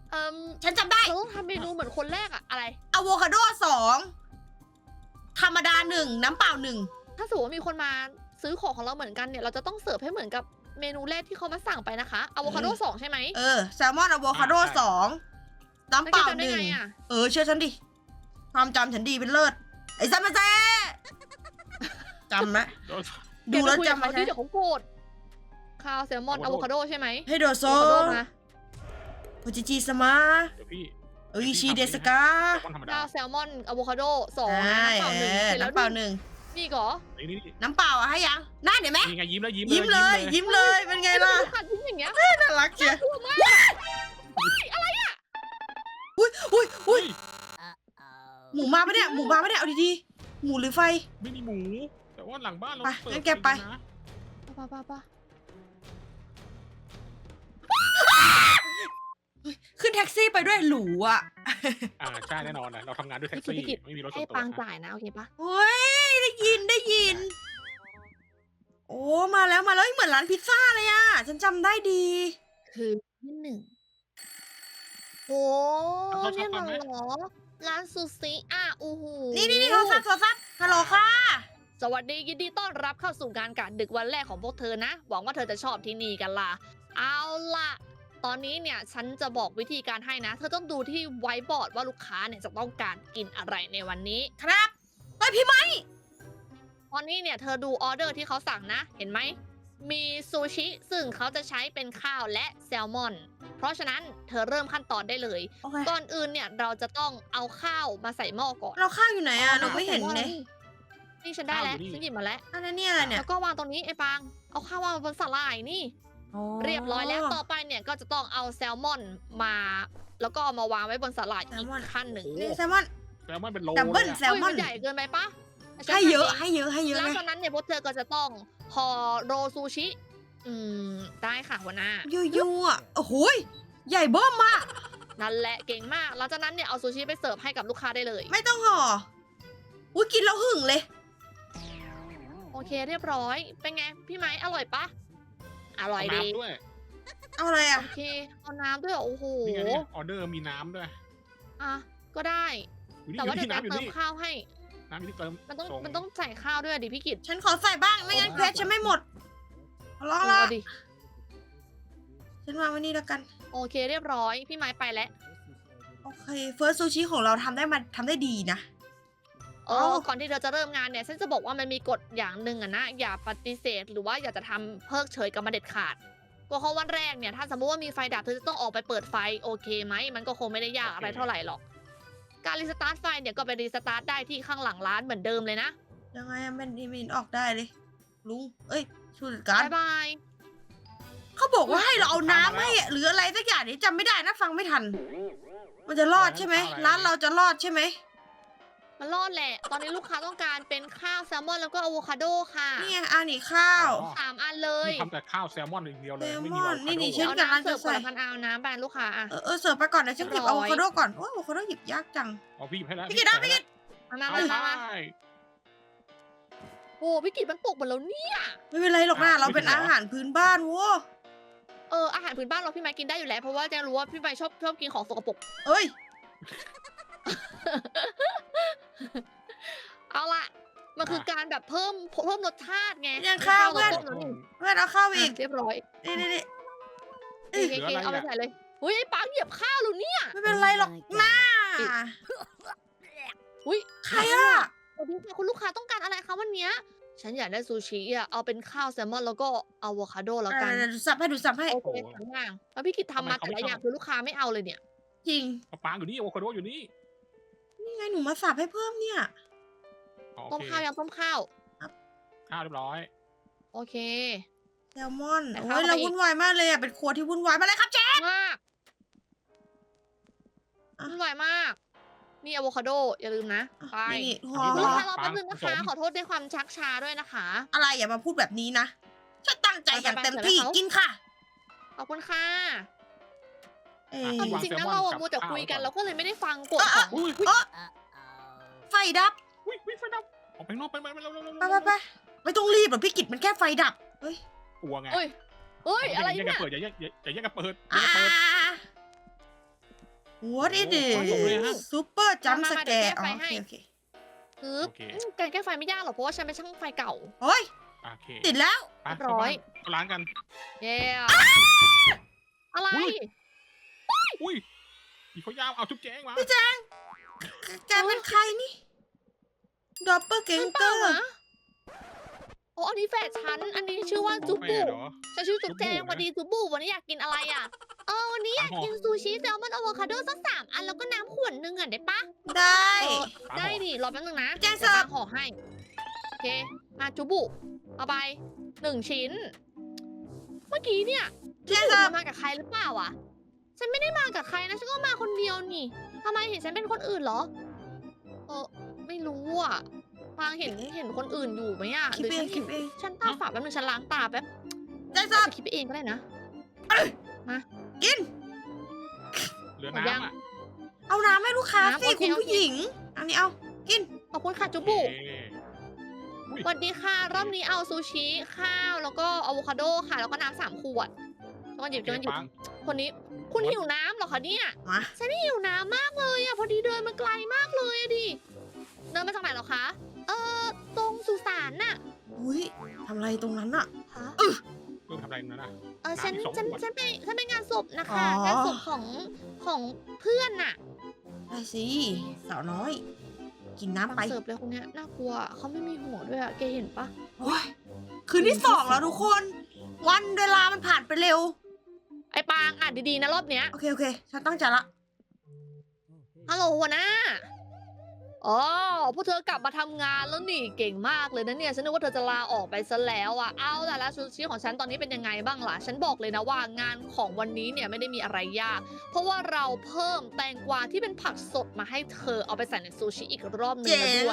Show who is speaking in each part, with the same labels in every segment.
Speaker 1: ฉันจำได้
Speaker 2: เราต้องทำเมนูเหมือนคนแรกอะอะไร
Speaker 1: อะโวคาโด2ธรรมดา1น้ำเปล่า1
Speaker 2: ถ้าสมมติว่ามีคนมาซื้อของเราเหมือนกันเนี่ยเราจะต้องเสิร์ฟให้เหมือนกับเมนูแรกที่เขามาสั่งไปนะคะอะโวคาโด2ใช่ไหม
Speaker 1: แซลมอนอะโวคาโด2น้ำเปล่า
Speaker 2: แล้วแกจำได้ไงอะ
Speaker 1: 1เชื่อฉันดิความจำฉันดีเป็นเลิศไอ้ซัมมาเซ่จำนะดูแล้วจำ
Speaker 2: มา
Speaker 1: มา
Speaker 2: ใช่
Speaker 1: ใช่
Speaker 2: เดี๋ยวเขาโกรธข้าวแซลมอนอะโวคาโดใช่ไหม
Speaker 1: ให้โดโซ
Speaker 2: อะโวคาโดมา
Speaker 1: โอจิจิสมา
Speaker 3: เดี๋ยวพี่
Speaker 1: เอ้ยชีเดสกา
Speaker 3: แซลมอนธรรมดา
Speaker 2: ข้าวแซลมอนอะโวคาโด2
Speaker 1: ใช่
Speaker 2: น้ำเปล่า1เสร็จแล้ว
Speaker 1: น้ำเปล่า1
Speaker 2: นี่เหรอ
Speaker 3: นี่
Speaker 1: น้ำเปล่าอะให้ยังน่าเห็นไหม
Speaker 3: นี่ไงยิ้มแล้วยิ้ม
Speaker 1: ยิ้มเลยยิ้มเลยเป็นไงล่ะ
Speaker 2: ขัดยิ้มอย่างเงี้ย
Speaker 1: น่ารักเชียว
Speaker 2: กลัวมาก
Speaker 1: อุ้ย
Speaker 3: เฮ้ย
Speaker 1: หมูมาปะเนี่ยหมูมาปะเนี่ยเอาดีๆหมูหรือไฟ
Speaker 3: ไม่มีหมู แต่ว่าหลังบ้านเรา
Speaker 1: ไป
Speaker 3: เปิด
Speaker 1: งั้นแกไป
Speaker 3: นะ
Speaker 2: ป่ะ
Speaker 1: ขึ้นแท็กซี่ไปด้วยหรูอ่ะ
Speaker 3: ใช่แน่นอนนะเราทำงานด้วยแท็กซี่ไม่มีรถส่
Speaker 2: ให้
Speaker 3: วนตัว
Speaker 2: ปางจ่ายนะโอเคปะ
Speaker 1: เฮ้ยได้ยิน โอ้มาแล้วเหมือนร้านพิซซ่าเลยอ่ะฉันจำได้ดี
Speaker 2: คือที่1โอ้เนี่ยเหรอร้านซูชิโอ้โห
Speaker 1: นี่โทรศัพท์ฮัลโหลค่ะ
Speaker 2: สวัสดียินดีต้อนรับเข้าสู่การกะดึกวันแรกของพวกเธอนะ หวังว่าเธอจะชอบที่นี่กันล่ะ เอาล่ะ ตอนนี้เนี่ยฉันจะบอกวิธีการให้นะ เธอต้องดูที่ไวท์บอร์ดว่าลูกค้าเนี่ยจะต้องการกินอะไรในวันนี้
Speaker 1: ครับเฮ้ยพี่ไม้
Speaker 2: ตอนนี้เนี่ยเธอดูออเดอร์ที่เขาสั่งนะ เห็นไหม มีซูชิซึ่งเขาจะใช้เป็นข้าวและแซลมอน เพราะฉะนั้นเธอเริ่มขั้นตอนได้เลย
Speaker 1: โอเค
Speaker 2: ก่อนอื่นเนี่ยเราจะต้องเอาข้าวมาใส่หม้อก่อน
Speaker 1: เราข้าวอยู่ไหนอ่ะเราไม่เห็นเลย
Speaker 2: นี่ฉันได้แล้วฉันหยิบมาแล้ว
Speaker 1: อันนั้นเนี่ยอะไรเนี่ย
Speaker 2: แล้วก็วางตรงนี้ไอ้ปาง เอาข้าววางบนสลายนี่ เรียบร้อยแล้ว ต่อไปเนี่ยก็จะต้องเอาแซลมอนมา แล้วก็เอามาวางไว้บนสลายอีกขั้นหนึ่ง
Speaker 1: นี่แซลมอน
Speaker 3: แซลมอนเป็นโล
Speaker 1: ดับเบิ้ล
Speaker 3: เลยอะ
Speaker 1: แซลมอน
Speaker 2: ใหญ่เกินไปปะ
Speaker 1: ให้เยอะ
Speaker 2: แล้ว
Speaker 1: ไง
Speaker 2: ตอนนั้นเนี่ยพวกเธอก็จะต้องห่อโรซูชิ ได้ค่ะหัวหน้า
Speaker 1: ยั่วโอ้โหใหญ่เบิ้มมาก
Speaker 2: นั่นแหละเก่งมาก หลังจากนั้นเนี่ยเอาซูชิไปเสิร์ฟให้กับลูกค้าได้เลย
Speaker 1: ไม่ต้องห่ออุ้ยกินแล้วหึ่งเลย
Speaker 2: โอเคเรียบร้อย เป็นไงพี่ไม้อร่อยปะอร่อย
Speaker 3: เอา
Speaker 2: ดี
Speaker 3: น้ำด้วย
Speaker 1: เอาอะไรอ่ะ
Speaker 2: โอเค เอาน้ำด้วยเหรอโอ้โห
Speaker 3: นี่ไงเนี่ยออเดอร์มีน้ำด้วย
Speaker 2: อ่ะ ก็ได้
Speaker 3: อยู่นี่
Speaker 2: แต่ว่า
Speaker 3: อ
Speaker 2: เดี๋ยว
Speaker 3: ยู่
Speaker 2: จะ
Speaker 3: นี่น้ำอยู่
Speaker 2: เติม
Speaker 3: นี่
Speaker 2: ข้าวให้
Speaker 3: น้ำอยู่ที่เติม
Speaker 2: มันต้องใส่ข้าวด้วยดิพี่กิต
Speaker 1: ฉันขอใส่บ้างไม่งั้นเพชรฉันไม่หมดเอาละ
Speaker 2: เอาดิ
Speaker 1: ฉันวางไว้นี่แล้วกัน
Speaker 2: โอเคเรียบร้อย พี่ไม้ไปแล้ว
Speaker 1: โอเคเฟิร์สซูชิของเราทำได้ดีนะ
Speaker 2: ก่อนที่เธอจะเริ่มงานเนี่ยฉันจะบอกว่ามันมีกฎอย่างหนึ่งอะนะอย่าปฏิเสธหรือว่าอย่าจะทำเพิกเฉยกับมันเด็ดขาดก็เพราะวันแรกเนี่ยถ้าสมมติว่ามีไฟดับเธอจะต้องออกไปเปิดไฟโอเคไหมมันก็คงไม่ได้ยากอะไรเท่าไหร่หรอก การรีสตาร์ทไฟเนี่ยก็ไปรีสตาร์ทได้ที่ข้างหลังร้านเหมือนเดิมเลยนะ
Speaker 1: ยังไงอะมันมินออกได้เลยลุงเอ้ยชูดการ
Speaker 2: บ๊ายบาย
Speaker 1: เขาบอกว่าให้เราเอาน้ำให้อะหรืออะไรสักอย่างนี้จำไม่ได้นะฟังไม่ทัน มันจะรอดใช่ไหมร้านเราจะรอดใช่ไหม
Speaker 2: มันรอดแหละ ตอนนี้ลูกค้าต้องการเป็นข้าวแซลมอนแล้วก็อะโวคาโดค่ะ
Speaker 1: นี่ไงอันนี้ข้าว
Speaker 2: 3 อันเลย
Speaker 3: นี่ทำแต่ข้าวแซลมอนอย่างเดียวเลย
Speaker 1: แซลมอน
Speaker 3: ไม่มีอะโวคาโด
Speaker 1: นี่ฉัน
Speaker 2: เอา
Speaker 1: กำลัง
Speaker 2: น้ำเสิร์ฟ
Speaker 1: จะใส่
Speaker 2: คนละพันเอาน้ำแบนลูกค้าอะ
Speaker 1: เสิร์ฟไปก่อนนะฉันหยิบ
Speaker 2: เรี
Speaker 1: อะ
Speaker 2: ยบร้
Speaker 1: โว
Speaker 2: อย
Speaker 1: คาโดก่อนโอ้อะโวคาโดหยิบยากจัง
Speaker 3: เอาพี่หยิบให้แล้ว
Speaker 1: พี่กิตนะพี่กิต
Speaker 2: มามา
Speaker 3: เอา
Speaker 2: มามา
Speaker 3: ไป
Speaker 2: โอ้พี่กิตมันตกหมดแล้วเนี่ย
Speaker 1: ไม่เป็นไรหรอกนะเราเป็นอาหารพื้นบ้านโว้
Speaker 2: อาหารพื้นบ้านเราพี่ไม้กินได้อยู่แล้วเพราะว่าแจงรู้ว่าพี่ไม้ชอบกินของสกปรก
Speaker 1: เอ้ย
Speaker 2: เอาล่ะ มันคือการแบบเพิ่มรสชาติไง
Speaker 1: ยังข้าวเพื่อน
Speaker 2: ต้มแล้วนี่
Speaker 1: เพื่อนเอาข้าวอีก
Speaker 2: เรียบร้อย
Speaker 1: นี่
Speaker 2: โอเคเอาไปใส่เลยอุ้ยไอ้ปังเหยียบข้าวหรือเนี่ย
Speaker 1: ไม่เป็นไรหรอกนะ
Speaker 2: อุ้ย
Speaker 1: ใครอ่ะ
Speaker 2: สวัสดีค่ะคุณลูกค้าต้องการอะไรคะวันเนี้ยฉันอยากได้ซูชิอ่ะเอาเป็นข้าวแซลมอนแล้วก็อะโวคาโดแล้วกัน
Speaker 1: ดูสับให้
Speaker 2: โอเคสองอย่างแล้วพี่กิตทำมาแต่ละอย่างคือลูกค้าไม่เอาเลยเนี่ย
Speaker 1: จริง
Speaker 3: ปางอยู่นี่อะโวคาโดอยู่นี่
Speaker 1: นี่ไงหนูมาสับให้เพิ่มเนี่ย
Speaker 3: อ๋อ
Speaker 2: ต้
Speaker 3: โอ
Speaker 2: ม
Speaker 3: เค
Speaker 2: ข้าวยังต้มข้าว
Speaker 3: ข้าวเรียบร้อย
Speaker 2: โอเค
Speaker 1: แซลมอน
Speaker 2: แต่
Speaker 1: โอ้
Speaker 2: ข้าวย
Speaker 1: เรา
Speaker 2: ไปอีก
Speaker 1: วุ่นวายมากเลยอ่ะเป็นครัวที่วุ่นวายมาเลยครับเจ๊
Speaker 2: มากวุ่นวายมาก นี่อะโวคาโดอย่าลืมนะไป
Speaker 1: นี่พ
Speaker 3: อันนี้
Speaker 2: ลูก
Speaker 1: อ
Speaker 2: ค้ารอแป๊บนึงนะคะ ขอโทษด้วยความชักช้าด้วยนะคะ
Speaker 1: อะไรอย่ามาพูดแบบนี้นะฉันตั้งใจอย่างเต็มที่
Speaker 2: ไปๆๆ
Speaker 1: กินค่ะ
Speaker 2: ขอบคุณค่ะ
Speaker 1: เอ้
Speaker 2: เอา
Speaker 1: ย
Speaker 2: จริงๆนะเราอะมัวแต่คุยกันเราก็เลยไม่ได้ฟังกฎของ
Speaker 3: อุ้ย
Speaker 1: ไฟดับ
Speaker 3: อุ้ยไฟดับออกไปนอกไปเร็ว
Speaker 1: ไปไม่ต้องรีบหรอกพี่กิจมันแค่ไฟดับเฮ้ย
Speaker 3: กลัวไง
Speaker 2: เฮ้ยอะไร
Speaker 3: อย่าแยก
Speaker 2: เนี่
Speaker 3: กัน
Speaker 2: ย
Speaker 3: เปิดอย่าแยกกันเปิด
Speaker 1: อ่า What is
Speaker 3: โอ้โหเลยฮะ
Speaker 1: it Super Jump
Speaker 2: มา
Speaker 1: Scare
Speaker 2: เดี๋ยวแก้ไฟให้
Speaker 1: โอเค
Speaker 2: คือ
Speaker 3: โอเค
Speaker 2: การแก้ไฟไม่ยากหรอกเพราะว่าฉันเป็นช่างไฟเก่า
Speaker 1: โอ้ย
Speaker 3: โอเค
Speaker 1: ติดแล้ว
Speaker 3: ไป
Speaker 2: เรียบร้อย
Speaker 3: เข้าร้านกัน
Speaker 2: เย้อะไร
Speaker 3: อุ้ยผีเขายาวเอาจุ๊บแจ้งมา
Speaker 1: แกเป็นใครนี่ดอปเปอร์เกง
Speaker 2: ฉัน
Speaker 1: เก
Speaker 2: เป
Speaker 1: อ
Speaker 2: ล่า
Speaker 1: ร์
Speaker 2: นะโอ้อันนี้แฟนฉัน อันนี้ชื่อว่าจุ๊บ
Speaker 3: แฟ
Speaker 2: บุ
Speaker 3: นเหรอ
Speaker 2: ฉันชื่อจุ๊บแจง
Speaker 3: จุ๊บบุนะ
Speaker 2: วันดีจุ๊บบุวันนี้อยากกินอะไรอ่ะวันนี้อยากกินซูชิแซลมอนอะโวคาโดสัก3 อันแล้วก็น้ำขวดนึงอ่ะได้ปะ
Speaker 1: ได้
Speaker 2: ได้ดิรอแป๊บนึงนะ
Speaker 1: แจ้งเสิร์ฟ
Speaker 2: ดี๋ยวตามห่อให้ โอเค มาจุบุเอาไป1 ชิ้น เมื่อกี้เนี่ยจุ
Speaker 1: แจ้ง
Speaker 2: บุ
Speaker 1: เสิร์ฟ
Speaker 2: มากับใครหรือเปล่าอ่ะ ฉันไม่ได้มากับใครนะ ฉันก็มาคนเดียวนี่ทำไมเห็นฉันเป็นคนอื่นเหรอ ไม่รู้อ่ะฟางเห็นคนอื่นอยู่ไหมอ่ะ
Speaker 1: คิด
Speaker 2: หรือ
Speaker 1: เอ
Speaker 2: ฉั
Speaker 1: ง
Speaker 2: น
Speaker 1: คิดเอง
Speaker 2: ฉันตาฝาดแป๊บนึงฉันล้างตาแป๊บ
Speaker 1: แจ้งเสิร์ฟ
Speaker 2: จะคิดไปเองก็ได้นะ
Speaker 1: กิน
Speaker 3: เหลือ
Speaker 2: หมดยัง
Speaker 3: น้ำอ่ะ
Speaker 1: เอาน้ำให้ลูกค้า
Speaker 2: น้ำ
Speaker 1: สิ
Speaker 2: โอเค
Speaker 1: คุณ
Speaker 2: โอเค
Speaker 1: ผู้หญิง อันนี้เอา กิน
Speaker 2: ขอบคุณค่ะจุบุ
Speaker 3: เอ๊ะ
Speaker 2: สวัสดีค่ะ รอบนี้เอาซูชิ ข้าว แล้วก็อะโวคาโดค่ะ แล้วก็น้ำ3 ขวดจะมาหยิบจะมาหยิบ
Speaker 3: ปัง
Speaker 2: คนนี้ คุณหิวน้ำเหรอคะเนี่ย
Speaker 1: มา
Speaker 2: ฉันหิวน้ำมากเลยอ่ะ พอดีเดินมาไกลมากเลยอะดิ เดินมาจากไหนเหรอคะ ตรงสุสานน่ะ
Speaker 1: อุ้ยทำอะไรตรงนั้นอะ
Speaker 2: ฮะ
Speaker 3: เพิ่งทำอะไรนั่นน่ะ
Speaker 2: ฉัน
Speaker 3: น้ำอีก2
Speaker 2: ฉัน
Speaker 3: ขวด
Speaker 2: ฉันไปงานศพนะคะ
Speaker 1: อ๋อ
Speaker 2: งานศพของเพื่อนน่ะ
Speaker 1: ได้สิสาวน้อย กินน้ำไป
Speaker 2: ฟังเสิร์ฟเลยคนเนี้ยน่ากลัวเขาไม่มีหัวด้วยอะแกเห็นปะ
Speaker 1: โอ้ยคืนที่2แล้วทุกคน วันเวลามันผ่านไปเร็ว
Speaker 2: ไอ้ปางอ่านดีๆนะรอบเนี้ย
Speaker 1: โอเค โอเค ฉันตั้งใจละ
Speaker 2: ฮัลโหลหัวหน้า อ๋อ พวกเธอกลับมาทำงานแล้วนี่เก่งมากเลยนะเนี่ย ฉันนึกว่าเธอจะลาออกไปซะแล้วอ่ะ เอาล่ะแล้วซูชิของฉันตอนนี้เป็นยังไงบ้างล่ะ ฉันบอกเลยนะว่างานของวันนี้เนี่ยไม่ได้มีอะไรยาก เพราะว่าเราเพิ่มแตงกวาที่เป็นผักสดมาให้เธอเอาไปใส่ในซูชิอีกรอบหนึงแล้วด้วย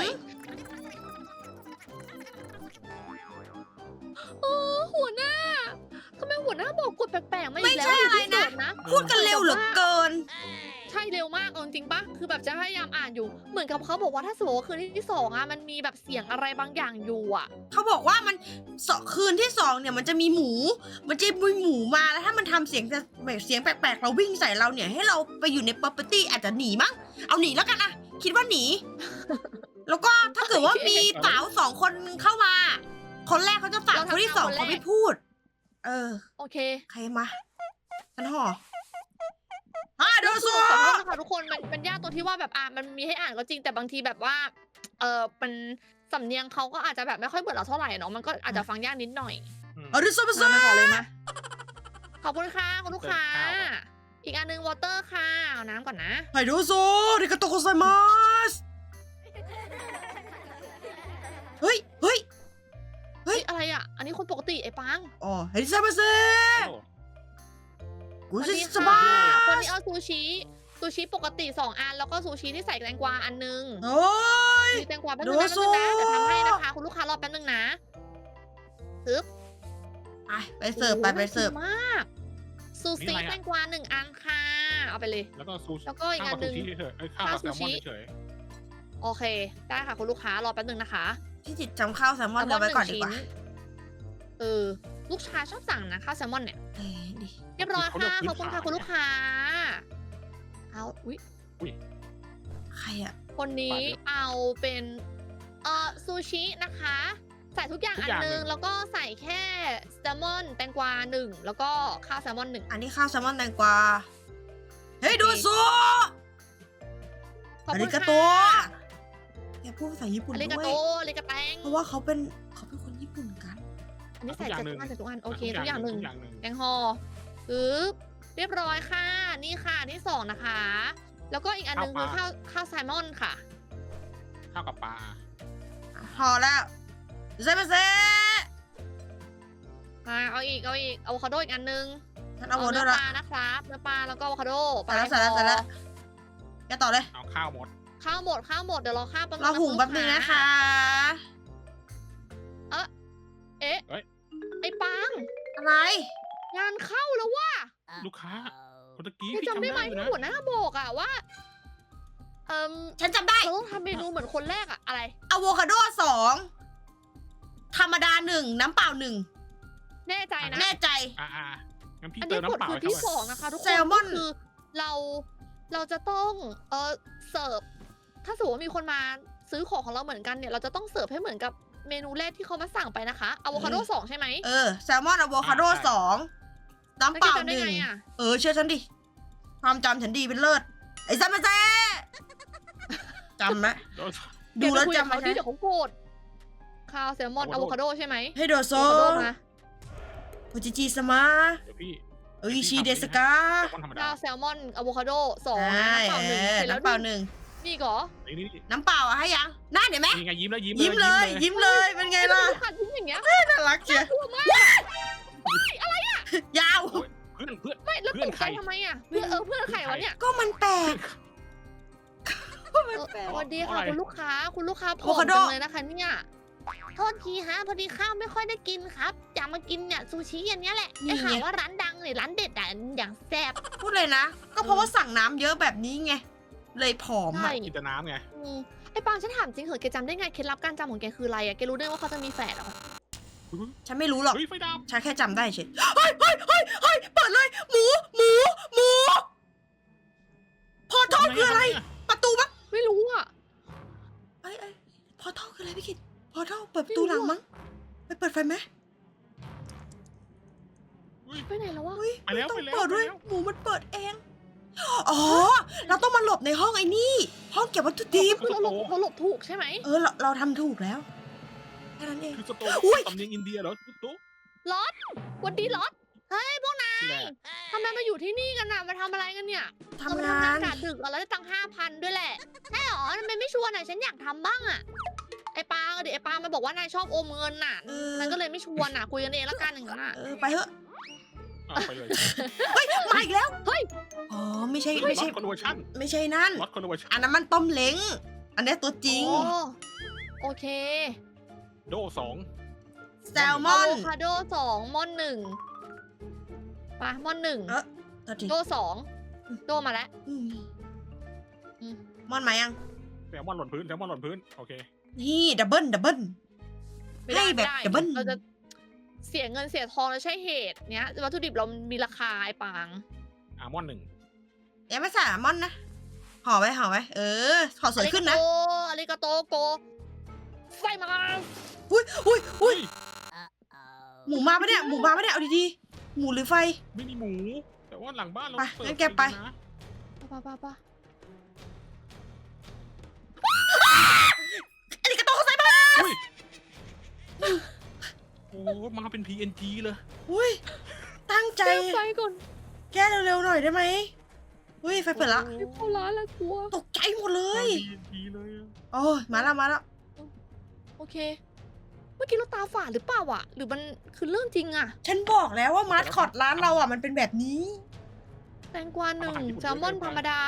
Speaker 2: โอ้หัวหน้าทำไมหัวหน้าบอกกดแปลกๆมาอีกแล้ว
Speaker 1: ไม่ใช่อะไรนะ
Speaker 2: ยู่ที่โจทย์นะ
Speaker 1: พูดกันเร็วเหลือเกิน
Speaker 2: ใช่เร็วมากเอาจริงๆปะคือแบบจะพยายามอ่านอยู่ เหมือนกับเขาบอกว่าถ้าสมมติว่าคืนที่2อ่ะมันมีแบบเสียงอะไรบางอย่างอยู่อ่ะ
Speaker 1: เขาบอกว่ามันคืนที่2เนี่ยมันจะมีหมู มันจะมีหมูมาแล้วถ้ามันทำเสียงจะแบบเสียงแปลกๆเราวิ่งใส่เราเนี่ยให้เราไปอยู่ใน property อาจจะหนีมั้ง เอาหนีแล้วกันอะคิดว่าหนี แล้วก็ถ้าเกิดว่ามีสาว2 คนเข้ามา คนแรกเขาจะฝากคนที่2เขาไม่พูด
Speaker 2: โอเค
Speaker 1: ใครมาฉันห่อโด
Speaker 2: ก็
Speaker 1: โซ
Speaker 2: คือขอโทษนะคะทุกคนมันยากตรงที่ว่าแบบมันมีให้อ่านก็จริงแต่บางทีแบบว่าเป็นสำเนียงเขาก็อาจจะแบบไม่ค่อยเหมือนเราเท่าไหร่เนาะมันก็อาจจะฟังยากนิดหน่อย
Speaker 1: โดโซมา
Speaker 2: มาขอเลยมาขอบคุณค่ะคุณลูกค้า อีกอันนึงวอเตอร์ค่ะเอาน้ำก่อนนะ
Speaker 1: ไฮโดโซริกาโตโกไซมัสเฮ้ย เฮ้ย
Speaker 2: เฮ้ยอะไรอ่ะ อันนี้คนปกติไอ้ปัง
Speaker 1: อ๋อเฮดิซามาเซ
Speaker 3: โอ้
Speaker 1: กู
Speaker 2: สวัส
Speaker 1: จะ
Speaker 2: ดี
Speaker 1: ส
Speaker 2: ค่ะ
Speaker 1: บา
Speaker 2: คน
Speaker 1: ย
Speaker 2: นี้เอาซูชิปกติ2 อันแล้วก็ซูชิที่ใส่แตงกวาอันนึง
Speaker 1: โอ้ย
Speaker 2: มีแตงกวาแป๊บนึงนะเดี๋ยวทำให้นะคะคุณลูกค้ารอแป๊บนึงนะปึ๊บ
Speaker 1: ไปเสิร์ฟไปเสิร์ฟ
Speaker 2: โอ้โหน่ากินมากซูชิแตงกวา1 อันค่ะเอาไปเลย
Speaker 3: แล้วก็ซูชิ
Speaker 2: แล้วก็อีกอันหนึ่ง
Speaker 3: ข้าวกับซูชิเฉย
Speaker 2: ข้าวซูชิ
Speaker 3: ๆเฉย
Speaker 2: โอเค ได้ค่ะคุณลูกค้ารอแป๊บนึงนะคะ
Speaker 1: พี่จิตจำข้าวแซลมอนเอาไว้ก่อนดีกว่า
Speaker 2: ลูกชายชอบสั่งนะข้าวแซลมอนเนี่ย
Speaker 1: ดี
Speaker 2: เรียบร้อยค่ะขอบคุณค่ะคุณลูกค้าเอาอุ๊ย
Speaker 1: ใครอะ
Speaker 2: คนนี้เอาเป็นซูชินะคะ ใส่ทุกอย่างอันนึงแล้วก็ใส่แค่แซลมอนแตงกวา1แล้วก็ข้าวแซลมอน1
Speaker 1: อันนี้ข้าวแซลมอนแตงกวาเฮ้ยดูซู
Speaker 2: ขอบ
Speaker 1: อา
Speaker 2: คุ
Speaker 1: ริ
Speaker 2: ณ
Speaker 1: กาโต
Speaker 2: ค่ะ
Speaker 1: แกพูดภาษาญี่ปุ่น
Speaker 2: อา
Speaker 1: ด้
Speaker 2: ริกา
Speaker 1: วย
Speaker 2: โตอาริกาแตง
Speaker 1: เพราะว่าเขาเป็นคนญี่ปุ่นกัน
Speaker 2: อันนี้ใส่ใส่ทุกอันโอเคทุกอย่าง
Speaker 3: ทุกอย่างหนึ่ง
Speaker 2: แตงห่อปึ๊บเรียบร้อยค่ะ นี่ค่ะที่2นะคะ แล้วก็อีกอันนึงคือข้าวแซลมอนค่ะ
Speaker 3: ข้าวกับปลา
Speaker 1: พอแล้วเซมาเซ
Speaker 2: มาเอาอีกอะโวคาโดอีกอันนึง
Speaker 1: ฉันเอาโว
Speaker 2: เนื้
Speaker 1: ด้
Speaker 2: อ
Speaker 1: วย
Speaker 2: ป
Speaker 1: ละ
Speaker 2: ลานะครับเนื้อปลาแล้วก็อะโวคาโด
Speaker 1: ใส่แล้วแกต่อเลย
Speaker 3: เอาข้าวหมด
Speaker 2: ข้าวหมดเดี๋ยวรอข้าวแป๊บนึง
Speaker 1: เรา
Speaker 2: นะ
Speaker 1: หุง
Speaker 2: ณ
Speaker 1: แป๊บนึงนะคะ
Speaker 2: เอ๊ะไอ้ปัง
Speaker 1: อะไร
Speaker 2: งานเข้าแล้วว่ะ
Speaker 3: ลูกค้าคนตะกี้
Speaker 2: แก
Speaker 3: พี่
Speaker 2: จำได้ไหม
Speaker 3: อยู่
Speaker 2: ที่
Speaker 3: นะ
Speaker 2: หัวหน้าบอกอะว่า
Speaker 1: ฉันจำได้
Speaker 2: เราต้องทำเมนูเหมือนคนแรกอะอะไร
Speaker 1: อะโวคาโด2ธรรมดา1น้ำเปล่า1
Speaker 2: แน่ใจนะ
Speaker 1: แน่ใจ
Speaker 3: งั้นพี่
Speaker 2: อัน
Speaker 3: เติ
Speaker 2: นี้
Speaker 3: ม
Speaker 2: กด
Speaker 3: น้ำเปล่า
Speaker 2: คือ
Speaker 3: ให้
Speaker 2: ที่
Speaker 3: เข้าไป
Speaker 2: 2นะคะทุกคน
Speaker 1: แซลมอน
Speaker 2: ก็คือเราเราจะต้องเสิร์ฟถ้าสมมติว่ามีคนมาซื้อของเราเหมือนกันเนี่ยเราจะต้องเสิร์ฟให้เหมือนกับเมนูแรกที่เขามาสั่งไปนะคะอะโวคาโด2ใช่ไหม
Speaker 1: แซลมอนอะโวคาโด2น้ำเปล่า
Speaker 2: แล้วแกจำได้ไง
Speaker 1: 1
Speaker 2: อะ
Speaker 1: เชื่อฉันดิความจำฉันดีเป็นเลิศไอ้ซัมมาเซ่จำไหม ดูแล้วจำไหม
Speaker 2: เขาดิเดี๋ยวเขาโกรธข้าวแซลมอนอะโวคาโดใช่ไหม
Speaker 1: ให้โดโซ
Speaker 2: อะโวคาโดมา
Speaker 1: โอจิจิสมา
Speaker 3: เดี๋ยวพี่
Speaker 1: ชิเดสกา
Speaker 3: แซลมอนธรรมดา
Speaker 2: ข้าวแซลมอนอะโวคาโด2
Speaker 1: ใช่
Speaker 2: น้ำเปล่า1เสร็จแล้ว
Speaker 1: น้ำเปล่า
Speaker 2: นี่
Speaker 1: 1
Speaker 2: นี่เหรอ
Speaker 3: นี่
Speaker 1: น้ำเปล่าอะให้ยังน่าเห็นไหม
Speaker 3: นี่ไงยิ้มแล้วยิ้ม
Speaker 1: ยิ้มเลย ยิ้มเลย เป็นไงล่ะ
Speaker 2: ขาดทิ้งอย่างเงี้ย
Speaker 1: น่ารักเชียว
Speaker 2: กลัวมาก
Speaker 1: ยาว
Speaker 3: เพื่อน
Speaker 2: ไม่แล้ว
Speaker 3: เพื่
Speaker 2: ต
Speaker 3: อน
Speaker 2: ก
Speaker 3: ใค
Speaker 2: ใจ
Speaker 3: ร
Speaker 2: ทำไมอะเพื่อนเพื่อนใครวะเนี่ย
Speaker 1: ก็มันแปลกก็มันแปลก
Speaker 2: สวัสดีค่ะคุณลูกค้าผ
Speaker 1: อะโว
Speaker 2: อม
Speaker 1: คาโด
Speaker 2: จังเลยนะคะเนี่ยโทษทีฮะพอดีข้าวไม่ค่อยได้กินครับอยากมากินเนี่ยซูชิอย่างเนี้ยแหละได้ข่าวว่าร้านดังเลยร้านเด็ดอ่ะอย่างแซ่บ
Speaker 1: พูดเลยนะ ก็เพราะว่าสั่งน้ำเยอะแบบนี้ไง เลยผอม
Speaker 2: ใช่
Speaker 1: อะ
Speaker 3: กินแต่น้ำไง
Speaker 2: ไอ้ปางฉันถามจริงเหรอแกจำได้ไงเคล็ดลับการจำของแกคืออะไรอ่ะแกรู้ได้ว่าเขาจะมีแฝดเหรอ
Speaker 1: ฉันไม่รู้หรอก
Speaker 3: เฮ้ยไฟดับ
Speaker 1: ฉันแค่จำได้เฉยเฮ้ยเปิดเลย หมูพอท่อคืออะไร ประตูมั้ง
Speaker 2: ไม่รู้อ่ะ
Speaker 1: พอท่อคืออะไรพี่คิดพอท่อเปิดประตูหลังมั้ง ไปเปิดไฟไหม
Speaker 2: ไปไหนแล้ววะ
Speaker 1: อุ้ย
Speaker 3: ไปแล้ว
Speaker 1: ต้อง
Speaker 3: ไปแล้ว
Speaker 1: เปิดด้วย
Speaker 3: ไปแล้ว
Speaker 1: หมูมันเปิดเอง อ๋อ เราต้องมาหลบในห้องไอ้นี่ ห้องเก็บวัตถุดิบ
Speaker 2: คือเราหลบถูกใช่ไหม
Speaker 1: เราทำถูกแล้วแค่นั้นเอง
Speaker 3: คือสโต
Speaker 1: อุ๊ย
Speaker 3: สำเนียงอินเดียเหรอตุ๊
Speaker 2: ล็อตวันดีล็อตเฮ้ยพวกนาย
Speaker 3: แหละ
Speaker 2: ทำไมมาอยู่ที่นี่กันน่ะมาทำอะไรกันเนี่ย
Speaker 1: ทำงาน
Speaker 2: กะดึกอะแล้วได้ตังค์5,000ด้วยแหละใช่หรอทำไมไม่ชวนอ่ะฉันอยากทำบ้างอ่ะไอ้ปางอะดิไอ้ปางมันบอกว่านายชอบอมเงินน่ะมันก็เลยไม่ชวนอ่ะคุยกันเองละกันอย่างนั้นอ่ะ
Speaker 1: ไปเถอะ
Speaker 3: ไปเลย
Speaker 1: มาอีกแล้ว
Speaker 2: เฮ้ย
Speaker 1: อ๋อ ไม่ใช่
Speaker 3: ล็อตคอนเวอร์ชั่น
Speaker 1: ไม่ใช่นั่น
Speaker 3: ล็อตคอนเวอร์ชั่น
Speaker 1: อันนั้นมันต้มเล้ง อันนี้ตัวจริง
Speaker 2: อ๋อโอเค
Speaker 3: โด2
Speaker 1: แซลมอน
Speaker 2: อะโวคาโด2ม่อน1ไปม่อน1
Speaker 1: ตัวจริง
Speaker 2: โด2โดมาแล้ว
Speaker 1: อืม
Speaker 2: อืม
Speaker 1: มอนมายัง
Speaker 3: แซลมอนหล่นพื้นโอเค
Speaker 1: นี่ดับเบิล
Speaker 2: ไม่ได้
Speaker 1: ให้แบบ
Speaker 2: ไม่ได้
Speaker 1: ดับเบิ้ล
Speaker 2: เราจะเสียเงินเสียทองแล้วใช่เหตุเนี้ยวัตถุดิบเรามีราคาไอ้ปาง
Speaker 3: อาร์มอน1
Speaker 1: ยังไม่ใส่อัลมอนด์นะ ห่อไว้ห่อไว้ ห่อสวยขึ้นนะ
Speaker 2: อาริกาโตโกไฟมา
Speaker 1: อุ้ยหมูมาปะเนี่ย เอาดีๆ หมูหรือไฟ
Speaker 3: ไม่มีหมู แต่ว่าหลังบ้านเรา
Speaker 1: ไป
Speaker 3: เปิด
Speaker 1: งั้นแกไป
Speaker 3: นะ
Speaker 2: ป่ะ
Speaker 1: อันนี้กระโตเขาใส่มา
Speaker 3: อุ้ยโอ้มาเป็น PNG เลย
Speaker 1: อุ้ย ตั้งใจ
Speaker 2: แก้ไฟก่อน
Speaker 1: แก้เร็วๆหน่อยได้ไหมอุ้ย ไฟเปิดละ
Speaker 2: ไม่เข้าร้านแล้วกลัว
Speaker 1: ตกใจหมดเลย
Speaker 3: PNG เลยอะ
Speaker 1: โอ้ยมาแล้ว
Speaker 2: โอเค เมื่อกี้เราตาฝาดหรือเปล่าอ่ะ หรือมันคือเรื่องจริงอ่ะ
Speaker 1: ฉันบอกแล้วว่ามาสคอตร้านเราอ่ะมันเป็นแบบนี้
Speaker 2: แตงกวา1แซลมอนธรรมดา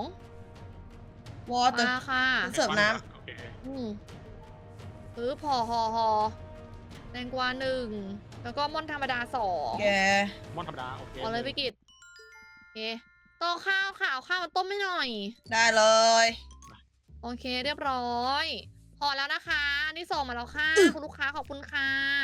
Speaker 2: 2
Speaker 1: วอเตอร์
Speaker 2: มาค่ะ
Speaker 1: เสิร์ฟน้
Speaker 3: โอเค
Speaker 2: พอแตงกวา1แล้วก็ม่อนธรรมดา
Speaker 1: ำแก
Speaker 2: 2
Speaker 3: มอนธรรมดาโอเค
Speaker 2: เอาเลยพี่กิตโอเคต่อข้าวค่ะเอาข้าวมาต้มให้หน่อย
Speaker 1: ได้เลย
Speaker 2: โอเคเรียบร้อย พอแล้วนะคะอันนี่ส่งมาแล้วค่ะ คุณลูกค้าขอบคุณค่ะ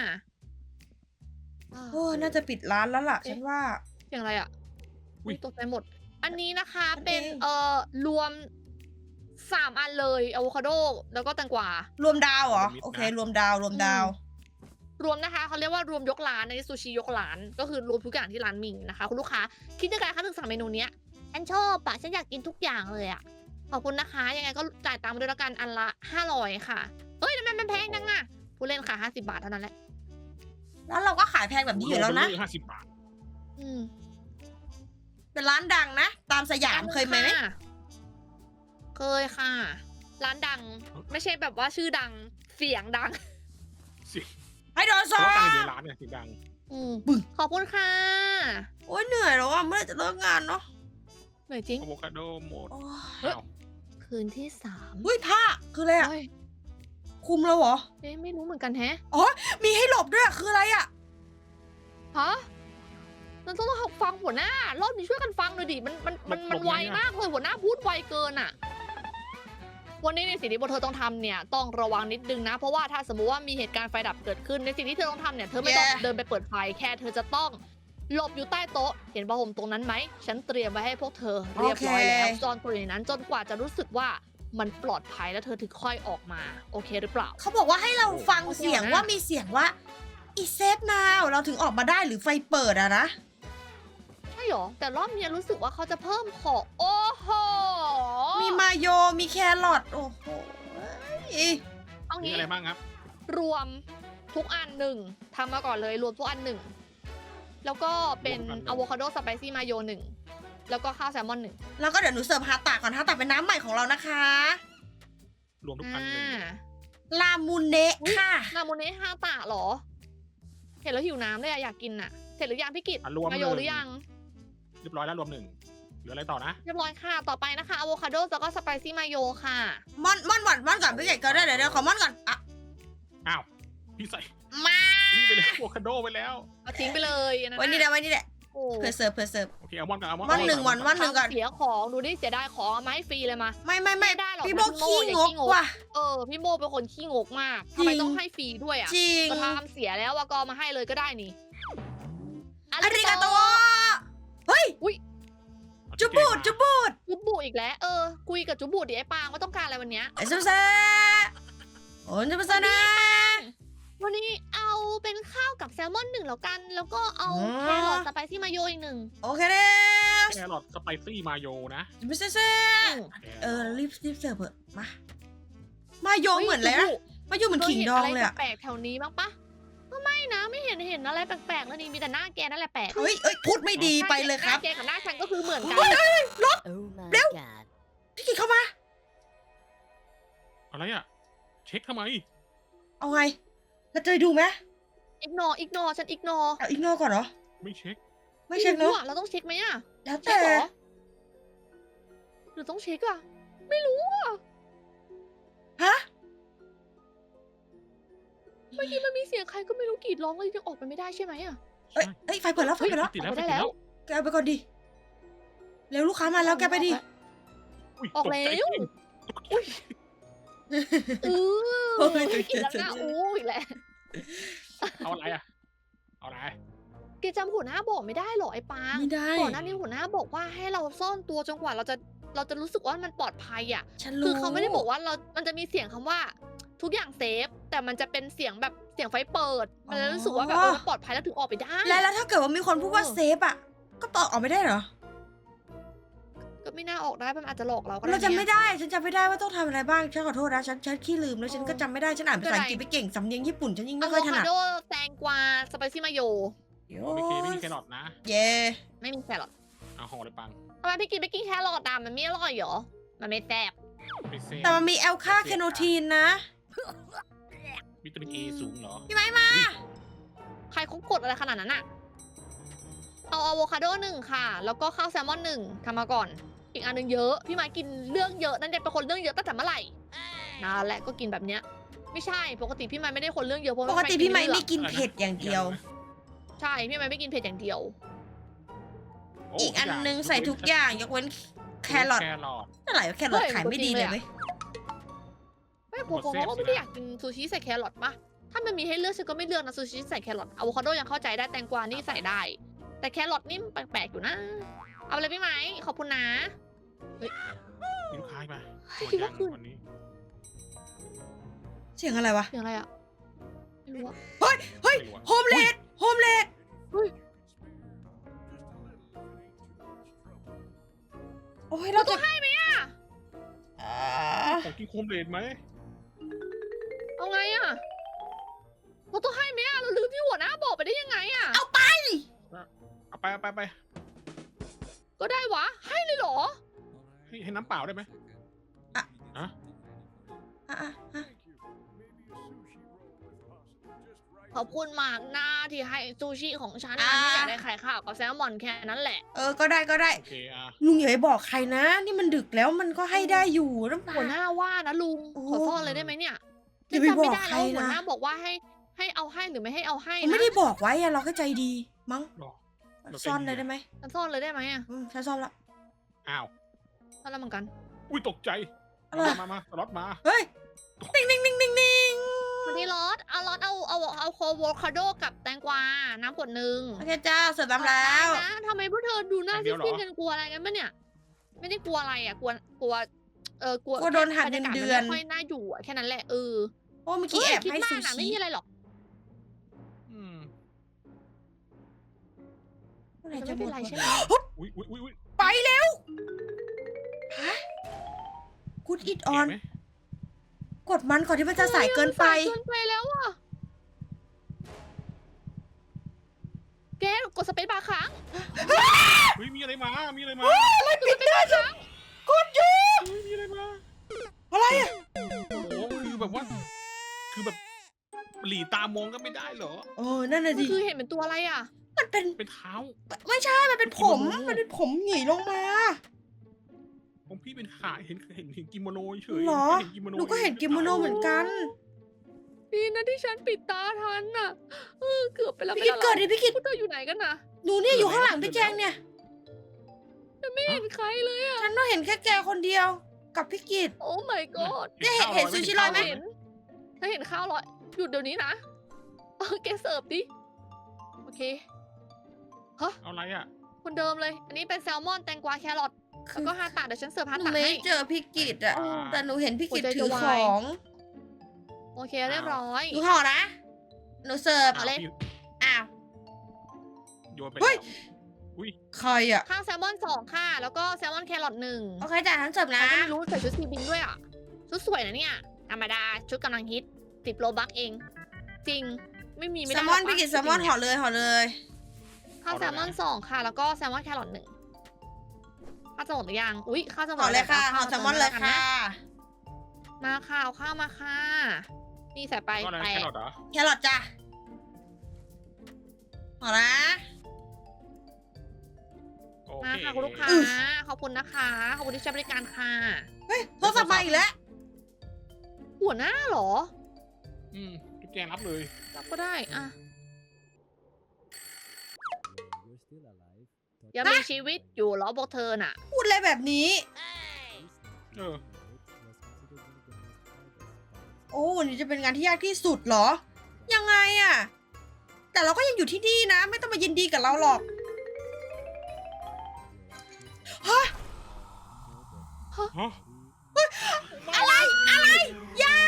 Speaker 1: โอ้น่าจะปิดร้านแล้วล่ะ ฉันว่า
Speaker 2: เสียงอะไรอ่ะอุ๊ยตกใจหมด อันนี้นะคะ
Speaker 1: อันเอง
Speaker 2: เป็นรวม3อันเลยอะโวคาโดแล้วก็แตงกวาร
Speaker 1: วมดาวเหรอ โอเค รวมดาว
Speaker 2: รวมนะคะเขาเรียกว่ารวมยกร้านในซูชิยกร้านก็คือรวมทุกอย่างที่ร้านมีนะคะคุณลูกค้าคิดยังไงคะถึงสั่งเมนูเนี้ยฉันชอบปะฉันอยากกินทุกอย่างเลยอะขอบคุณนะคะยังไงก็จ่ายตังค์มาด้วยละกันอันละ500ค่ะเฮ้ยทำไมมันแพงจังอะผู้เล่นค่ะ50 บาทเท่านั้นแหละ
Speaker 1: แล้วเราก็ขายแพงแบบนี้อยู่แล้วนะ
Speaker 3: 50 บาท
Speaker 2: อืม
Speaker 1: เป็นร้านดังนะ ตามสยามเคยไหม
Speaker 2: ค่ะเคยค่ะ ร้านดังไม่ใช่แบบว่าชื่อดังเสียงดัง
Speaker 1: ให้โดน
Speaker 3: เพ
Speaker 1: ซอ
Speaker 3: ราะว่าตั้งอยู่ในร้านเนี่ยเสียงดัง
Speaker 2: ขอบคุณค่ะ
Speaker 1: โอ้ยเหนื่อยแล้วอ่ะเมื่อไหร่จะเลิกงานเนาะ
Speaker 2: เหนื่อยจริง
Speaker 3: อะโวคาโดหมด
Speaker 1: โอ้ย
Speaker 2: เฮ้ย
Speaker 3: อ้าว
Speaker 2: คืนที่3
Speaker 1: อุ้ยผ้าคืออะไรอ่ะ
Speaker 2: เฮ้ย
Speaker 1: คุมแล้วเหรอ
Speaker 2: เอ๊ะไม่รู้เหมือนกันแฮะ
Speaker 1: มีให้หลบด้วยอะคืออะไรอ่ะ
Speaker 2: ฮะเราต้องฟังหัวหน้ารอบนี้ช่วยกันฟังหน่อยดิมันไวมากเลยหัวหน้าพูดไวเกินอ่ะ วันนี้ในสิ่งที่พวกเธอต้องทำเนี่ยต้องระวังนิดนึงนะ เพราะว่าถ้าสมมติว่ามีเหตุการณ์ไฟดับเกิดขึ้นในสิ่งที่เธอต้องทำเนี่ยเธอไม่ต้อง
Speaker 1: Yeah.
Speaker 2: เดินไปเปิดไฟแค่เธอจะต้องหลบอยู่ใต้โต๊ะ เห็นผ้าห่มตรงนั้นไหม ฉันเตรียมไว้ให้พวกเธอเรียบร้อยแล้วซ่อนตัวอยู่ในนั้นจนกว่าจะรู้สึกว่ามันปลอดภัยแล้วเธอถึงค่อยออกมา โอเคหรือเปล่า
Speaker 1: เขาบอกว่าให้เราฟัง
Speaker 2: โอเค
Speaker 1: เสียง
Speaker 2: นะ
Speaker 1: ว่ามีเสียงว่า อีเซฟนาวเราถึงออกมาได้หรือไฟเปิดอะนะ
Speaker 2: ใช่หรอ แต่รอบนี้รู้สึกว่าเขาจะเพิ่มของ โอ้โห
Speaker 1: มีมาโยมีแครอทโอ้โห
Speaker 2: เอา
Speaker 3: มี
Speaker 2: งี้
Speaker 3: อะไรบ้างครับ
Speaker 2: รวมทุกอันหนึ่งทำมาก่อนเลยรวมทุกอันหนึ่งแล้วก็เป็น
Speaker 3: รวมทุกอันหนึ่ง
Speaker 2: อะโวคาโดสไปซี่มาโยหนึ่งแล้วก็ข้าวแซลมอนหนึ่ง
Speaker 1: แล้วก็เดี๋ยวหนูเสิร์ฟฮาตาก่อนฮาตาเป็นน้ำใหม่ของเรานะคะ
Speaker 3: รวมทุกอันหนึ่ง
Speaker 1: ลามูเนะค่ะ
Speaker 2: นาโมเนะฮาตะเหรอ เห็นแล้วหิวน้ำเลยอะอยากกินอะเสร็จหรือยังพี่กิต
Speaker 3: อ่ะรวม
Speaker 2: มาโย
Speaker 3: หนึ่ง
Speaker 2: หรือยัง
Speaker 3: เรียบร้อยแล้วรวมหนึ่งเหลืออะไรต่อนะ
Speaker 2: เรียบร้อยค่ะต่อไปนะคะอะโวคาโดแล้วก็สไปซี่มาโยค่ะ
Speaker 1: ม่อนก่อนพี่เก๋ก็ได้เดี๋ยวขอม่อนก่อนอ่ะ
Speaker 3: อ้าว พี่ใส่
Speaker 1: มา
Speaker 3: นี่ไปเลยอะโวคาโดไปแล้ว
Speaker 2: เอาทิ้งไปเลยอันนั้น
Speaker 1: ไว้นี่แหละไว้นี่แหละ
Speaker 2: โอ้
Speaker 1: เพื่อเสิร์ฟ
Speaker 3: โอเคเอามอนกันเอามอน
Speaker 1: ม่อนหนึ่งวันม่อนหนึ่งก่อน
Speaker 2: ทำเสียของดูดิเสียดายของเอามาให้ฟรีเลยมา
Speaker 1: ไม่
Speaker 2: ไม่ได้หรอก
Speaker 1: พี่โบ
Speaker 2: พี่โม่
Speaker 1: ขี้
Speaker 2: อย่าง
Speaker 1: ง
Speaker 2: ขี้
Speaker 1: ก
Speaker 2: งก
Speaker 1: ว่ะ
Speaker 2: พี่โมเป็นคนขี้งกมาก
Speaker 1: จริ
Speaker 2: ทำ
Speaker 1: ง
Speaker 2: ไมต้องให้ฟรีด้วยอ่ะ
Speaker 1: จริง
Speaker 2: ก็ทำเสียแล้วอะก็เอามาให้เลยก็ได้นี่
Speaker 1: อาริกาโตเฮ้ย จุบูด
Speaker 2: จุบุอีกแล้วคุยกับจุบุดิไอ้ปางว่าต้องการอะไรวันเนี้ย
Speaker 1: ไอ้ซุปเซ่โอ้ยซุปเซ่นะ
Speaker 2: วันนี้เอาเป็นข้าวกับแซลมอนหนึ่งแล้วกัน แล้วก็เอา
Speaker 1: อ๋อ
Speaker 2: แครอทสไปซี่มาโยอีกหนึ่ง
Speaker 1: โอเคเด้
Speaker 3: แครอทสไปซี่มาโยนะ
Speaker 1: ซุปเซ่ รีบเสิร์ฟเถอะมาโยเหมือนเลยนะ
Speaker 2: จุบุ
Speaker 1: มาโยเหมือนขิงดองเลยอะ
Speaker 2: คห็นอะไรแปลกๆแถวนี้บ้างปะก็ไม่นะไม่เห็นอะไรแปลกๆแล้วนี่มีแต่หน้าแกนั่นแหละแปลก
Speaker 1: เฮ้ยพูดไม่ดีไปเลยครับ
Speaker 2: หน้าแกกับหน้าฉันก็คือเหมือนกัน
Speaker 4: Oh my
Speaker 1: Bill.
Speaker 4: god.
Speaker 1: พี่กินเข้ามา
Speaker 3: อะไรอ่ะ เช็คทำไม
Speaker 1: เอาไงเราจะไปดูไหม
Speaker 2: อิกนอฉันอิกนอ
Speaker 1: เอาอีกนอกก่อนเหรอ
Speaker 3: ไม่เช็ค
Speaker 1: ไม่เช็คเนาะ
Speaker 2: เราต้องเช็คไหมอะ
Speaker 1: แล้ว
Speaker 2: เช็
Speaker 1: แต่
Speaker 2: คเหรอหรือต้องเช็คอะไม่รู้อะ
Speaker 1: ฮะ
Speaker 2: เมื่อกี้มันมีเสียงใครก็ไม่รู้กรีดร้องเลยยังออกไปไม่ได้ใช่ไหมอะ
Speaker 1: เอ้ยไฟเปิดแล้วไฟเปิดแล้ว
Speaker 3: ติดแล้ว
Speaker 2: ออก
Speaker 3: ติ
Speaker 2: ไป
Speaker 3: ด
Speaker 2: ได้
Speaker 3: แล้ว
Speaker 1: แกเอาไปก่อนดิเร็วลูกค้ามาแล้วแกไปดิ
Speaker 3: อุ้ย
Speaker 2: ออก
Speaker 3: ตใจ
Speaker 2: แล้ว
Speaker 3: จริง
Speaker 1: โอ้ย
Speaker 2: อีกแล้วนะอีกแล้ว
Speaker 3: เอาอะไรอ่ะ เอาอะไร
Speaker 2: แกจำหัวหน้าบอกไม่ได้หรอไอ้ปาง
Speaker 1: ไม่ได้
Speaker 2: ก่อนหน้านี้หัวหน้าบอกว่าให้เราซ่อนตัวจนกว่าเราจะรู้สึกว่ามันปลอดภัยอะ
Speaker 1: ฉันรู้
Speaker 2: คือเขาไม่ได้บอกว่ามันจะมีเสียงคำว่า ทุกอย่างเซฟ แต่มันจะเป็นเสียงแบบเสียงไฟเปิด มันจะรู้สึกว่าแบบมันปลอดภัยแล้วถึงออกไปได้
Speaker 1: แล้วถ้าเกิดว่ามีคนพูดว่าเซฟอ่ะ ก็ต่อออกไม่ได้เหรอ
Speaker 2: ก็ไม่น่าออกได้มันอาจจะหลอกเราก็ได้
Speaker 1: เราจำไม่
Speaker 2: นี่ย
Speaker 1: ได้ ฉันจำไม่ได้ว่าต้องทำอะไรบ้าง ฉันขอโทษนะ ฉันขี้ลืมแล้วฉันก็จำไม่ได้ ฉันอ่านภาษาอังกฤษไม่เก่ง สำเนียงญี่ปุ่นฉันยิ่งไม่ค่อยถนัด
Speaker 2: อะโวคาโดแตงกวาสไปซี่มาโย
Speaker 3: โอเคไม่มีแครอทนะ
Speaker 1: เย่
Speaker 2: ไม่มีแครอท
Speaker 3: เอาห่อเลยปัง
Speaker 2: ทำไมพี่กินไม่กินแครอทอ่ะมันไม่อร่อยเหรอมันไม่แซ่บ
Speaker 3: ไม่เซ่
Speaker 1: แต่มันมีแอลคาแคโนทีนนะ
Speaker 3: วิตามินเอสูงเหรอ
Speaker 1: พี่ไม้มา
Speaker 2: ใครเขากดอะไรขนาดนั้นอะเอาอะโวคาโดหนึ่งค่ะ แล้วก็ข้าวแซลมอนหนึ่งทำมาก่อน อีกอันหนึ่งเยอะ พี่ไม้กินเรื่องเยอะนั่นเด็เป็นคนเรื่องเยอะตั้งแต่เมื่อไหร่นั่นแหละก็กินแบบเนี้ย ไม่ใช่ ปกติพี่ไม้ไม่ได้คนเรื่องเยอะเพราะ
Speaker 1: ปกติพี่ไม้
Speaker 2: เลื
Speaker 1: ไม่
Speaker 2: อก
Speaker 1: กินเผ็ดอย่างเดียว
Speaker 2: ใช่ พี่ไม้ไม่กินเผ็ดอย่างเดียว
Speaker 3: โ
Speaker 1: อีกอันนึงใส่ทุกอย่างยกเว้นแครอท
Speaker 3: แครอท
Speaker 1: อะไรวะแครอทขายไม่ดีเลยเว้ย
Speaker 2: ไม่ผมก็ไม่ได้อยากกินซูชิใส่แครอทปะถ้ามันมีให้เลือกฉันก็ไม่เลือกนะซูชิใส่แครอทอะโวคาโดยังเข้าใจได้แตงกวานี่ใส่ได้ แต่แครอทนี่แปลกๆอยู่นะ เอาไปเลยพี่ไม้ขอบคุณนะ
Speaker 3: มีลูกค้ามา
Speaker 2: คิดว่าคืน
Speaker 3: วันนี้
Speaker 1: เสียงอะไรวะ
Speaker 2: เสียงอะไรอะไม่รู้อะ
Speaker 1: เฮ้ย
Speaker 3: ไม่รู้อะ
Speaker 1: โฮมเลดโฮมเลด
Speaker 2: เฮ้ย
Speaker 1: โอ้ยเราจะ
Speaker 2: ให้ไหมอะ
Speaker 1: อ่า
Speaker 3: ของกินโคมเลดไหม
Speaker 2: เอาไงอะเราต้องให้ไหมอะเราลืมที่หัวหน้าบอกไปได้ยังไงอะ
Speaker 3: เอาไป
Speaker 2: ก็ได้วะ ให้เลยเหรอ
Speaker 3: ให้น้ำเปล่าได้ไหม
Speaker 1: อ่ะ
Speaker 3: ฮะ
Speaker 2: ขอบคุณมากนะที่ให้ซูชิของฉันนะที่อยากได้ไข่ข้าวกับแซลมอนแค่นั้นแหละ
Speaker 1: ก็ได้
Speaker 3: โอเคอ่ะ
Speaker 1: ลุงอย่าไปบอกใครนะ นี่มันดึกแล้วมันก็ให้ได้อยู่น้ำ
Speaker 2: หัวหน้าว่านะลุง
Speaker 1: โอ้
Speaker 2: ขอซ่อนเลยได้ไหมเนี่ย
Speaker 1: อย่าไป
Speaker 2: จำไม่ได้
Speaker 1: บอกใคร
Speaker 2: แล้วหัว
Speaker 1: นะ
Speaker 2: หน้าบอกว่าให้เอาให้หรือไม่ให้เอาให้
Speaker 1: ผม
Speaker 2: นะ
Speaker 1: ไม่ได้บอกไว้อะเราก็ใจดี มั้ง
Speaker 3: หรอ เราใจดี
Speaker 1: ซ่อนเลยได้ไหม
Speaker 2: ฉันซ่อนเลยได้ไหมอะ
Speaker 1: ฉันซ่อนแล้ว
Speaker 3: อ้าว
Speaker 2: ซ่อนแล้วเหมือนกัน
Speaker 3: อุ้ยตกใจ
Speaker 1: อะไร
Speaker 3: มาสล็อตมา
Speaker 1: เฮ้ย นิ่ง
Speaker 2: มันนี่รสเอาโคโวคาโดกับแตงกวา น้ำขวดหนึ่ง
Speaker 1: โอเคจ้าเสิร์ฟน้ำแล้ว
Speaker 2: นะทำไมพวกเธอดูหน้าซีดๆกันกลัวอะไรกันปะเนี่ย ไม่ได้กลัวอะไรอ่ะ กลัว กลัว
Speaker 1: โดนหัก
Speaker 2: บรรยากาศ
Speaker 1: เงินเดื
Speaker 2: มั
Speaker 1: อน
Speaker 2: ไม่ค่อยน่าอยู่อ่ะแค่นั้นแหละ
Speaker 1: โอ้เมื่อกี้แอบ
Speaker 2: คิด
Speaker 1: ให้
Speaker 2: มา
Speaker 1: ซู
Speaker 2: กนะ
Speaker 1: ชิ
Speaker 2: ไม่มีอะไรหรอก
Speaker 3: อืม
Speaker 1: เมื่อไหร่
Speaker 2: จะ
Speaker 1: จะ
Speaker 2: ไม่
Speaker 1: หม
Speaker 2: เป็น
Speaker 1: ด
Speaker 2: ไร
Speaker 1: วะ
Speaker 2: ใช่ไหม
Speaker 3: อุ้ย
Speaker 1: ไปเร็วฮะกูดอิดออน
Speaker 3: เก๋ไหม
Speaker 1: กดมันก่อนที่มันจะสายเกินไป
Speaker 2: สายเกินไปแล้วอ่ะแกกดสเปซบาร์ค้าง
Speaker 3: เฮ้ยมีอะไรมา มีอะไรมา
Speaker 1: อะไรปิดได้จังกดอยู่
Speaker 3: เฮ้ยมีอะไรมา
Speaker 1: อะไรอ่ะ
Speaker 3: โอ้โหคือแบบว่า คือแบบหลีตามองก็ไม่ได้เหรอ
Speaker 1: โอ้นั่นน่ะดิ
Speaker 2: คือเห็นเป็นตัวอะไรอ่ะ
Speaker 1: มันเป็น
Speaker 3: เป็นเท้า
Speaker 1: ไม่ใช่ มันเป็นผม มันเป็นผมหงีลงมา
Speaker 3: ของพี่เป็นขาเห็นกิโมโนเฉย
Speaker 1: เหรอ
Speaker 3: เห็นกิโมโน
Speaker 1: หนูก็เห็นกิโมโนเหมือนกัน
Speaker 2: ดีนะที่ฉันปิดตาทันน่ะเกือบไปแล้ว
Speaker 1: พี่กิดเกิดดิพี่กิด
Speaker 2: พวกเธออยู่ไหนกันน่ะ
Speaker 1: หนูเนี่ยอยู่ข้างหลังพี่แจงเนี่ย
Speaker 2: ฉันไม่เห็นใครเลยอ่ะ
Speaker 1: ฉันต้องเห็นแค่แกคนเดียว กับพี่กิด
Speaker 2: โอ้ my god
Speaker 1: เห็นซูชิลอยไหม
Speaker 2: เห็นถ้าเห็นข้าวลอยหยุดเดี๋ยวนี้นะแกเสิร์ฟดิ โอเค
Speaker 3: เอาอะไรอ่ะ
Speaker 2: คนเดิมเลย อันนี้เป็นแซลมอนแตงกวาแครอทแล้วก็ฮาตะเดี๋ยวฉันเสิร์ฟฮา
Speaker 1: หนู
Speaker 2: ตะ
Speaker 1: ไม่
Speaker 2: ให้
Speaker 1: เจอพี่กิดอะ
Speaker 3: อ่า
Speaker 1: แต่หนูเห็นพี่กิด
Speaker 2: หัวใจ
Speaker 1: ถือ
Speaker 2: จะ
Speaker 1: ข
Speaker 2: วาย
Speaker 1: อง
Speaker 2: โอเคเรียบร้อย
Speaker 1: หนูห่อนะ หนูเสิร์ฟ
Speaker 2: เอาเลย
Speaker 3: พี่
Speaker 1: อ้าว
Speaker 3: โยนไป
Speaker 1: เฮ้ย
Speaker 3: แล้วอุ้ย
Speaker 1: ใครอะ
Speaker 2: ข้าวแซลมอน2ค่ะ แล้วก็แซลมอนแครอท1
Speaker 1: โอเคจ้ะฉันเสิร์ฟ
Speaker 2: ใคร
Speaker 1: นะ
Speaker 2: ก็ไม่รู้ใส่ชุดซีบินด้วยอ่ะ ชุดสวยนะเนี่ย ธรรมดา ชุดกำลังฮิต10 โลบัคเอง จริง ไม่มีไม่
Speaker 1: แซ
Speaker 2: ได้
Speaker 1: ลมอน
Speaker 2: หร
Speaker 1: พี่กิด
Speaker 2: วะ
Speaker 1: แซลมอนห่อเลยห่อเลย
Speaker 2: ข้าวแซลมอน2ค่ะ แล้วก็แซลมอนแครอท1ข้าวจะหมดหรือยัง อุ๊ยข้าวจะหม
Speaker 1: ห่อ
Speaker 2: ด
Speaker 1: เลยค่ะ
Speaker 2: า
Speaker 1: ห่อแซลมอนเลยค่ะ
Speaker 2: มาค่ะเอาข้าวมาค่ะ นี่ใส่ไป
Speaker 3: ก็อะไร
Speaker 2: แป
Speaker 3: แค
Speaker 2: ะ
Speaker 3: รอทเหรอ
Speaker 1: แครอทจ้ะห่อนะ
Speaker 3: โอ
Speaker 2: มา
Speaker 3: เค
Speaker 2: ค่ะคุณลูกค้า ขอบคุณนะคะ ขอบคุณที่ใช้บริการค่ะ
Speaker 1: เฮ้ยโทรศัพท์มาอีกแล้ว
Speaker 2: หัวหน้าเหรอ
Speaker 3: จุ๊บแจงรับเลย
Speaker 2: รับก็ได้อะ
Speaker 4: You're still alive.
Speaker 2: ยังมีชีวิตอยู่เหรอพวกเธอน่ะ
Speaker 1: พูดอะไรแบบนี้
Speaker 3: เออ
Speaker 1: โอ้วันนี้จะเป็นงานที่ยากที่สุดเหรอ ยังไงอะแต่เราก็ยังอยู่ที่นี่นะ ไม่ต้องมายินดีกับเราหรอก ฮะ
Speaker 3: ฮะ
Speaker 1: อะไร อะไรอย่า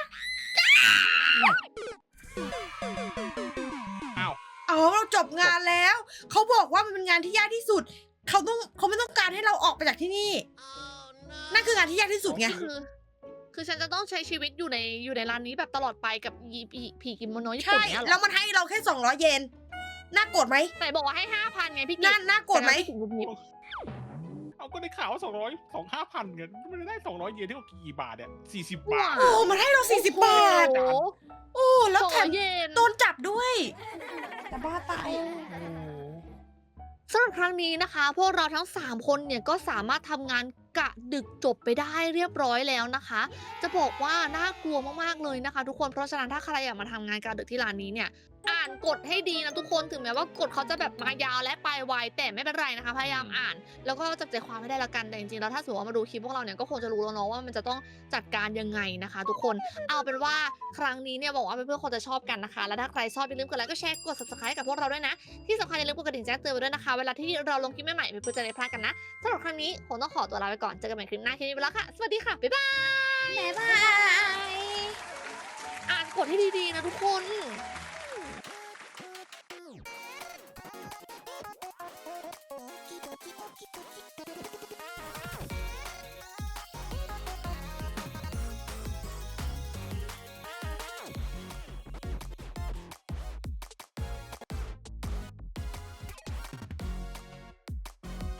Speaker 3: อ้าว
Speaker 1: อ๋อเราจบงานแล้ว เขาบอกว่ามันเป็นงานที่ยากที่สุด เขาไม่ต้องการให้เราออกไปจากที่นี่ นั่นคืองานที่ยากที่สุดไง
Speaker 2: คือฉันจะต้องใช้ชีวิตอยู่ในร้านนี้แบบตลอดไปกับผีกิโมโนญี่ปุ่
Speaker 1: ใช่
Speaker 2: นเนี่ยเหร
Speaker 1: แล้
Speaker 2: อ
Speaker 1: วมันให้เราแค่200 เยน น่าโกรธไหม
Speaker 2: ไหนบอกว่าให้5,000ไงพี่กิ๊
Speaker 1: น่าโกรธไหม
Speaker 2: ถึงงุบงิบ
Speaker 3: เอาก็ได้ข่าวว่า5,000เงินมันได้200 เยนเท่ากับกี่บาทเนี่ย40 บาท
Speaker 1: โอ้ มันให้เรา 40 บาท
Speaker 2: โอ้โห
Speaker 1: โอ้ แล้วแถม
Speaker 2: 200 เยน
Speaker 1: โดนจับด้วยแต่บ้าตาย
Speaker 3: โอ้
Speaker 2: สำหรับครั้งนี้นะคะ พวกเราทั้ง 3 คนเนี่ยก็สามารถทำงานกะดึกจบไปได้เรียบร้อยแล้วนะคะ จะบอกว่าน่ากลัวมากๆเลยนะคะ ทุกคนเพราะฉะนั้นถ้าใครอยากมาทำงานกะดึกที่ร้านนี้เนี่ยอ่านกฎให้ดีนะทุกคนถึงแม้ว่ากฎเขาจะแบบมายาวและไปไวแต่ไม่เป็นไรนะคะพยายามอ่าน แล้วก็จับใจความให้ได้ละกันแต่จริงๆแล้วถ้าสมมติว่ามาดูคลิปพวกเราเนี่ยก็คงจะรู้แล้วเนาะว่ามันจะต้องจัดการยังไงนะคะ ทุกคนเอาเป็นว่าครั้งนี้เนี่ยบอกว่าเพื่อนๆคงจะชอบกันนะคะและถ้าใครชอบอย่าลืมกดไลค์ก็แชร์กด subscribe กับพวกเราด้วยนะที่สำคัญอย่าลืมกดกระดิ่งแจ้งเตือนไว้ด้วยนะคะเวลาที่เราลงคลิปใหม่ๆเพื่อนๆจะได้ไม่พลาดกันนะสำหรับครั้งนี้คงต้องขอตัวลาไปก่อนเจอกันใหม่คลิปหน้าคลิปนี้ไปแล้วค่ะสวัสดีค่ะบ๊ายบาย
Speaker 1: บ๊ายบาย
Speaker 2: อ่านกฎให้ดีๆนะทุกคน